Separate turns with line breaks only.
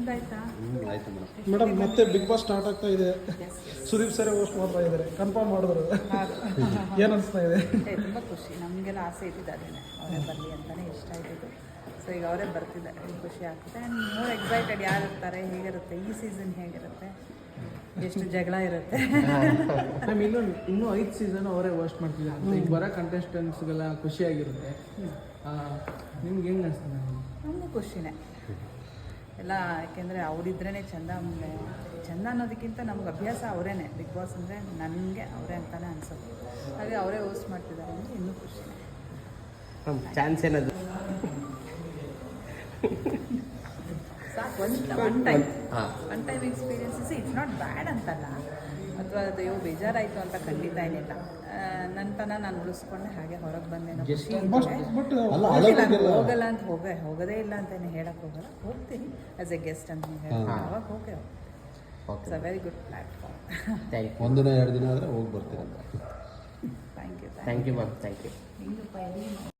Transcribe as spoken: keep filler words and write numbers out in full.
ನಿಮ್ದಾಯ್ತಾ?
ಆಯ್ತು madam.
Madam ಮತ್ತೆ big boss start ಆಗ್ತಾ ಇದೆ. ಸುದೀಪ್ ಸರ್ ಹೋಸ್ಟ್ ಮಾಡ್ತಾ ಇದ್ದಾರೆ, ಕನ್ಫರ್ಮ್ ಮಾಡಿದ್ರು. ಏನು ಅನಿಸ್ತಾ ಇದೆ?
ತುಂಬ ಖುಷಿ, ನಮಗೆಲ್ಲ ಆಸೆ ಇದ್ದಿದ್ದು ಅದೇನೆ, ಅವರೇ ಬರಲಿ ಅಂತಲೇ ಇಷ್ಟ ಇದ್ದಿದ್ದು. ಸೊ ಈಗ ಅವರೇ ಬರ್ತಿದ್ದಾರೆ, ಖುಷಿ ಆಗ್ತದೆ. ಆ್ಯಂಡ್ ಮೋರ್ ಎಕ್ಸೈಟೆಡ್, ಯಾರು ಇರ್ತಾರೆ, ಹೇಗಿರುತ್ತೆ ಈ ಸೀಸನ್, ಹೇಗಿರುತ್ತೆ, ಎಷ್ಟು ಜಗಳ ಇರುತ್ತೆ.
ಮ್ಯಾಮ್ ಇನ್ನೊಂದು ಇನ್ನೂ ಐದು ಸೀಸನ್ ಅವರೇ ಹೋಸ್ಟ್ ಮಾಡ್ತಿದ್ದಾರೆ ಅಂತ ಈಗ ಬರೋ ಕಂಟೆಸ್ಟೆಂಟ್ಸ್ಗೆಲ್ಲ ಖುಷಿಯಾಗಿರುತ್ತೆ. ನಿಮ್ಗೆ ಹೆಂಗೆ ಅನಿಸ್ತದೆ?
ನಮಗೂ ಖುಷಿನೇ ಎಲ್ಲ, ಯಾಕೆಂದರೆ ಅವರಿದ್ರೇ ಚೆಂದ. ಆಮೇಲೆ ಚೆಂದ ಅನ್ನೋದಕ್ಕಿಂತ ನಮ್ಗೆ ಅಭ್ಯಾಸ ಅವರೇನೆ, ಬಿಗ್ ಬಾಸ್ ಅಂದರೆ ನನಗೆ ಅವರೇ ಅಂತಲೇ ಅನ್ಸುತ್ತೆ. ಹಾಗೆ ಅವರೇ ಹೋಸ್ಟ್ ಮಾಡ್ತಿದ್ದಾರೆ ಅಂದರೆ ಇನ್ನೂ ಖುಷಿನೇ.
ಚಾನ್ಸ್ ಏನದು?
ಸಾಕು, one one time one time experiences, it's not bad ಅಂತಲ್ಲ, ಅಥವಾ ಅದು ಅಯ್ಯೋ ಬೇಜಾರಾಯಿತು ಅಂತ ಖಂಡಿತ ಏನಿಲ್ಲ. ನನ್ನ ತನ ನಾನು ಉಳಿಸ್ಕೊಂಡೆ, ಹಾಗೆ ಹೊರಗೆ ಬಂದೇನೋ ಖುಷಿ. ಹೋಗಲ್ಲ ಅಂತ ಹೋಗ ಹೋಗೋದೇ ಇಲ್ಲ ಅಂತಲೇ ಹೇಳಕ್ಕೆ ಹೋಗಲ್ಲ, ಹೋಗ್ತೀನಿ ಆ್ಯಸ್ ಎ ಗೆಸ್ಟ್ ಅಂತ ಹೇಳಿ ಅವಾಗ ಹೋಗೇ it's a very good platform.
ಒಂದು ದಿನ ಎರಡು ದಿನ ಆದರೆ ಹೋಗಿ ಬರ್ತೀರಂತ.
Thank you
thank you ma'am, thank you.
ಹಿಂಗಪ್ಪ